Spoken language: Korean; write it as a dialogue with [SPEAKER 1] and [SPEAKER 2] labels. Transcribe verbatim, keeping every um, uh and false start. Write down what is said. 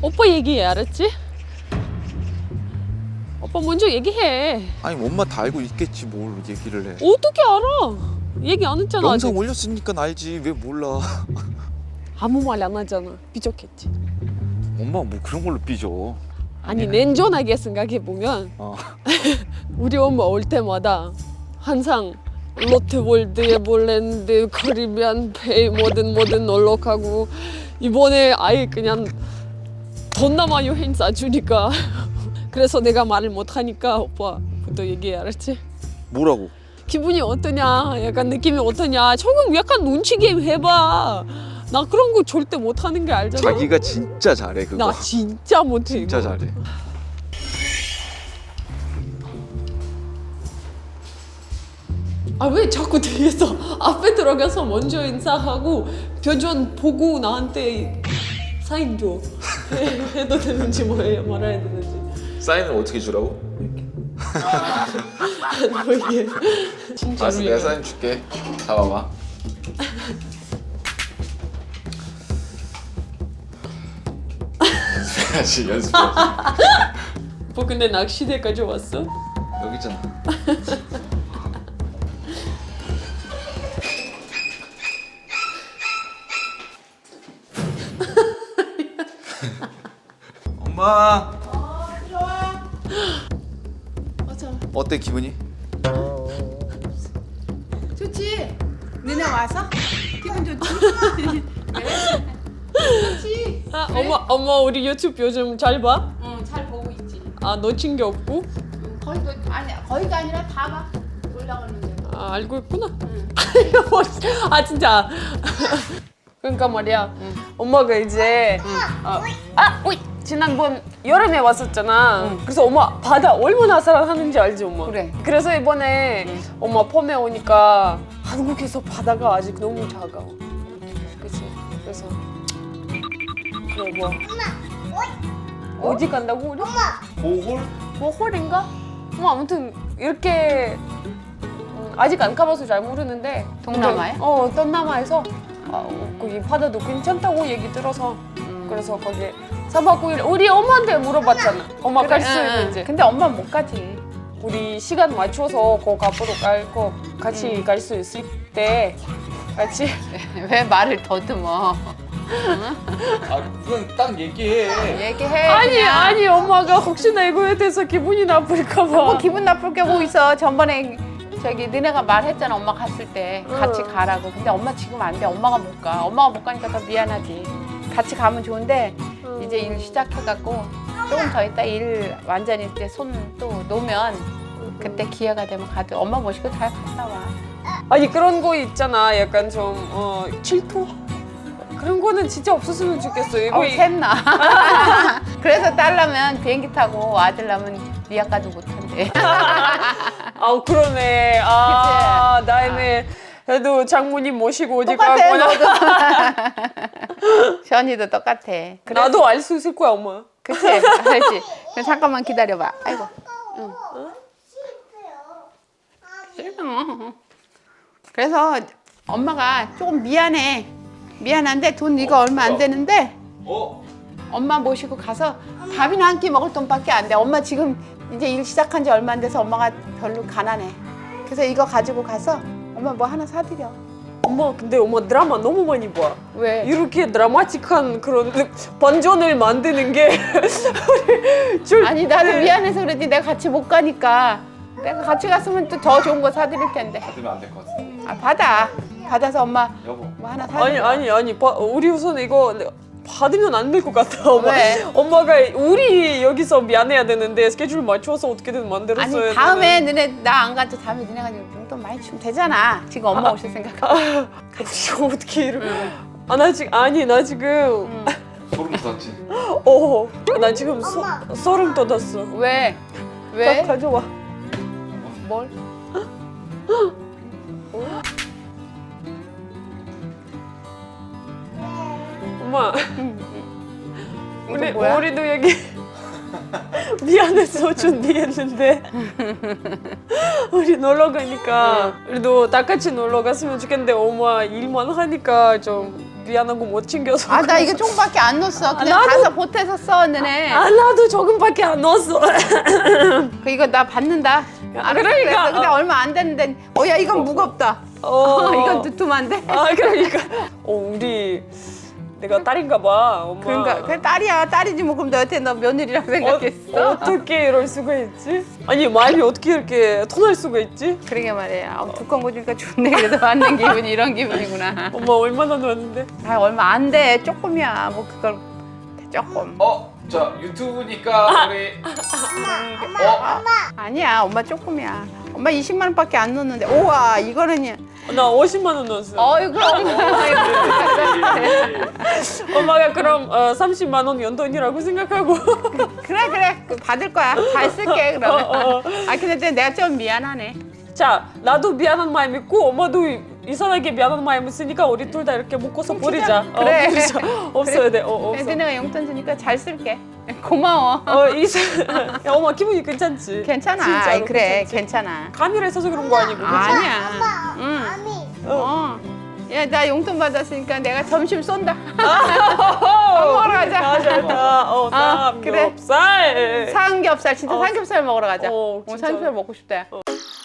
[SPEAKER 1] 오빠 얘기해, 알았지? 오빠 먼저 얘기해.
[SPEAKER 2] 아니 엄마 다 알고 있겠지 뭘 얘기를 해.
[SPEAKER 1] 어떻게 알아? 얘기 안 했잖아.
[SPEAKER 2] 영상
[SPEAKER 1] 아직.
[SPEAKER 2] 올렸으니까 알지 왜 몰라.
[SPEAKER 1] 아무 말 안 하잖아. 삐졌겠지.
[SPEAKER 2] 엄마 뭐 그런 걸로 삐져.
[SPEAKER 1] 아니 냉정하게 생각해 보면
[SPEAKER 2] 어.
[SPEAKER 1] 우리 엄마 올 때마다 항상 롯데월드, 에버랜드, 카리비안 베이 뭐든 뭐든 놀러 가고 이번에 아예 그냥 동남아 여행 싸주니까 그래서 내가 말을 못 하니까 오빠부터 얘기해, 알았지?
[SPEAKER 2] 뭐라고?
[SPEAKER 1] 기분이 어떠냐, 약간 느낌이 어떠냐. 조금 약간 눈치 게임 해봐. 나 그런 거 절대 못 하는 게 알잖아.
[SPEAKER 2] 자기가 진짜 잘해 그거.
[SPEAKER 1] 나 진짜 못해.
[SPEAKER 2] 진짜
[SPEAKER 1] 이거.
[SPEAKER 2] 잘해.
[SPEAKER 1] 아 왜 자꾸 뒤에서 앞에 들어가서 먼저 인사하고 표정 보고 나한테 사인 줘. 해, 해도 되는지 뭐 해, 말아야 되는지.
[SPEAKER 2] 사인을 어떻게 주라고?
[SPEAKER 1] 뭐 이게 진짜로
[SPEAKER 2] 알았어 내가
[SPEAKER 1] 얘기해.
[SPEAKER 2] 사인 줄게. 잡아봐. 연습해야지 연습해야지.
[SPEAKER 1] 뭐 근데 낚시대까지 왔어?
[SPEAKER 2] 여기 있잖아. 엄마.
[SPEAKER 3] 어, 좋아.
[SPEAKER 1] 맞아.
[SPEAKER 2] 어때 기분이?
[SPEAKER 3] 좋지? 너네 와서? 기분 좋지? 왜? 좋지?
[SPEAKER 1] 아 엄마 엄마 우리 유튜브 요즘 잘 봐?
[SPEAKER 3] 응, 잘 보고 있지.
[SPEAKER 1] 아 놓친 게 없고?
[SPEAKER 3] 응, 거의도 아니 거의가 아니라 다 봐. 올라가는데.
[SPEAKER 1] 아 알고 있구나.
[SPEAKER 3] 응.
[SPEAKER 1] 아 진짜. 그러니까 말이야.
[SPEAKER 3] 응.
[SPEAKER 1] 엄마가 이제 어, 아, 오이 지난번 여름에 왔었잖아.
[SPEAKER 3] 응.
[SPEAKER 1] 그래서 엄마 바다 얼마나 사랑하는지 알지 엄마?
[SPEAKER 3] 그래.
[SPEAKER 1] 그래서 이번에
[SPEAKER 3] 응.
[SPEAKER 1] 엄마 봄에 오니까 한국에서 바다가 아직 너무 작아. 그치? 그래서 그래 뭐 어디 간다고 우리?
[SPEAKER 2] 보홀?
[SPEAKER 1] 뭐 홀인가? 뭐 아무튼 이렇게 음, 아직 안 가봐서 잘 모르는데
[SPEAKER 3] 동남아에?
[SPEAKER 1] 근데, 어 동남아에서 어, 거기 바다도 괜찮다고 얘기 들어서
[SPEAKER 3] 음.
[SPEAKER 1] 그래서 거기 사박 구 일 우리 엄마한테 물어봤잖아. 엄마
[SPEAKER 3] 그래,
[SPEAKER 1] 갈 수
[SPEAKER 3] 응, 응.
[SPEAKER 1] 있는지.
[SPEAKER 3] 근데 엄마 못 가지.
[SPEAKER 1] 우리 시간 맞춰서 거 앞으로 갈거 같이
[SPEAKER 3] 음.
[SPEAKER 1] 갈 수 있을 때 같이
[SPEAKER 3] 왜 말을 더듬어?
[SPEAKER 2] 아 그건 딱 얘기해.
[SPEAKER 3] 얘기해.
[SPEAKER 1] 아니
[SPEAKER 3] 그냥.
[SPEAKER 1] 아니 엄마가 혹시나 이거에 대해서 기분이 나쁠까 봐.
[SPEAKER 3] 뭐 기분 나쁠 게 뭐 있어. 전번에 저기 너네가 말했잖아. 엄마 갔을 때 같이
[SPEAKER 1] 응.
[SPEAKER 3] 가라고. 근데 엄마 지금 안 돼. 엄마가 못 가. 엄마가 못 가니까 더 미안하지. 같이 가면 좋은데
[SPEAKER 1] 응.
[SPEAKER 3] 이제 일 시작해갖고 조금 더 있다 일 완전히 이제 손 또 놓으면 그때 기회가 되면 가도 엄마 모시고 잘 갔다 와.
[SPEAKER 1] 아니 그런 거 있잖아. 약간 좀 어, 질투 그런 거는 진짜 없었으면 좋겠어. 이거
[SPEAKER 3] 어,
[SPEAKER 1] 이-
[SPEAKER 3] 샘나. 그래서 딸라면 비행기 타고 아들라면 리아 가도 못한대.
[SPEAKER 1] 아 그러네. 아 나이네. 그래도 장모님 모시고 어디
[SPEAKER 3] 똑같아
[SPEAKER 1] 가거나
[SPEAKER 3] 너도. 현이도 똑같아. 그래,
[SPEAKER 1] 나도 알 수 있을 거야 엄마.
[SPEAKER 3] 그치? 알지? 그럼 잠깐만 기다려봐. 아이고. 응. 싫어. 그래서 엄마가 조금 미안해. 미안한데 돈 이거 얼마 안 되는데
[SPEAKER 2] 어?
[SPEAKER 3] 엄마 모시고 가서 밥이나 한 끼 먹을 돈밖에 안 돼. 엄마 지금 이제 일 시작한 지 얼마 안 돼서 엄마가 별로 가난해. 그래서 이거 가지고 가서 엄마 뭐 하나 사드려.
[SPEAKER 1] 엄마 근데 엄마 드라마 너무 많이 봐.
[SPEAKER 3] 왜?
[SPEAKER 1] 이렇게 드라마틱한 그런 반전을 만드는 게 우리 줄-
[SPEAKER 3] 아니 나도 미안해서 그러지 내가 같이 못 가니까 내가 같이 갔으면 또 더 좋은 거 사드릴 텐데.
[SPEAKER 2] 받으면 안 될 것 같은데.
[SPEAKER 3] 아 받아. 받아서 엄마
[SPEAKER 2] 여보.
[SPEAKER 3] 뭐 하나 사드려.
[SPEAKER 1] 아니 아니 아니 바, 우리 우선 이거 받으면 안 될 것 같아 엄마.
[SPEAKER 3] 왜?
[SPEAKER 1] 엄마가 우리 여기서 미안해야 되는데 스케줄 맞춰서 어떻게든 만들었어야
[SPEAKER 3] 아니 다음에
[SPEAKER 1] 되는.
[SPEAKER 3] 너네 나 안 가도 다음에 너네가 용돈 많이 주면 되잖아. 지금 엄마 오실 생각하고.
[SPEAKER 1] 이거 어떻게 이러? 아나 지금 아니 나 지금
[SPEAKER 2] 소름 돋았지.
[SPEAKER 1] 어나 지금 소, 소름 돋았어.
[SPEAKER 3] 왜?
[SPEAKER 1] 나
[SPEAKER 3] 왜?
[SPEAKER 1] 가져와.
[SPEAKER 3] 뭘?
[SPEAKER 1] 엄마
[SPEAKER 3] 이거
[SPEAKER 1] 우리
[SPEAKER 3] 뭐야?
[SPEAKER 1] 우리도 여기 미안해서 준비했는데 우리 놀러 가니까 그래도 다 같이 놀러 갔으면 좋겠는데 엄마 일만 하니까 좀 미안하고 못 챙겨서.
[SPEAKER 3] 아 나 이거 조금밖에 안 넣었어. 그냥
[SPEAKER 1] 나도-
[SPEAKER 3] 가서 보태서 써 너네.
[SPEAKER 1] 아 나도 조금밖에 안 넣었어.
[SPEAKER 3] 그 이거 나 받는다. 알았어.
[SPEAKER 1] 그러니까.
[SPEAKER 3] 그래서 근데 얼마 안 됐는데. 어야 이건 무겁다.
[SPEAKER 1] 어.
[SPEAKER 3] 이건 두툼한데.
[SPEAKER 1] 아 그러니까 어 우리 내가 딸인가 봐 엄마.
[SPEAKER 3] 그러니까 그 딸이야 딸이지 뭐 그럼 너한테 너 며느리라고 생각했어?
[SPEAKER 1] 어, 어떻게 이럴 수가 있지? 아니 마음이 어떻게 이렇게 터날 수가 있지?
[SPEAKER 3] 그러게 말이야. 어, 두꺼운 거 주니까 좋네. 그래도 받는 기분이 이런 기분이구나.
[SPEAKER 1] 엄마 얼마나 넣었는데?
[SPEAKER 3] 아 얼마 안 돼. 조금이야. 뭐 그걸 조금.
[SPEAKER 2] 어, 자 유튜브니까 우리 어,
[SPEAKER 3] 아니야. 엄마 조금이야. 엄마 이십만 원밖에 안 넣었는데. 우와 이거는
[SPEAKER 1] 나 오십만 원 넣었어.
[SPEAKER 3] 어이구.
[SPEAKER 1] 엄마가 그럼 어, 삼십만 원 연돈이라고 생각하고.
[SPEAKER 3] 그래 그래. 그 받을 거야. 잘 쓸게 그러면.
[SPEAKER 1] 어, 어.
[SPEAKER 3] 아 근데 내가 좀 미안하네.
[SPEAKER 1] 자 나도 미안한 마음 있고 엄마도 이상하게 미안한 마음 있으니까 우리 둘 다 이렇게 묶어서 버리자.
[SPEAKER 3] 그래.
[SPEAKER 1] 어, 버리자. 없어야 돼. 어, 없어.
[SPEAKER 3] 근데 내가 용돈 주니까 잘 쓸게. 고마워.
[SPEAKER 1] 어 이사. 야 엄마 기분이 괜찮지?
[SPEAKER 3] 괜찮아.
[SPEAKER 1] 진짜로
[SPEAKER 3] 아이, 그래
[SPEAKER 1] 괜찮지?
[SPEAKER 3] 괜찮아.
[SPEAKER 1] 카메라 있어서 그런 거 아니고. 그치?
[SPEAKER 3] 아니야. 응. 어. 야, 나 용돈 받았으니까 내가 점심 쏜다.
[SPEAKER 1] 밥
[SPEAKER 3] 먹으러 가자.
[SPEAKER 1] 가자. 어,
[SPEAKER 3] 아, 그래.
[SPEAKER 1] 삼겹살.
[SPEAKER 3] 삼겹살, 진짜
[SPEAKER 1] 어.
[SPEAKER 3] 삼겹살 먹으러 가자.
[SPEAKER 1] 어,
[SPEAKER 3] 어,
[SPEAKER 1] 진짜로.
[SPEAKER 3] 삼겹살 먹고 싶다.
[SPEAKER 1] 어.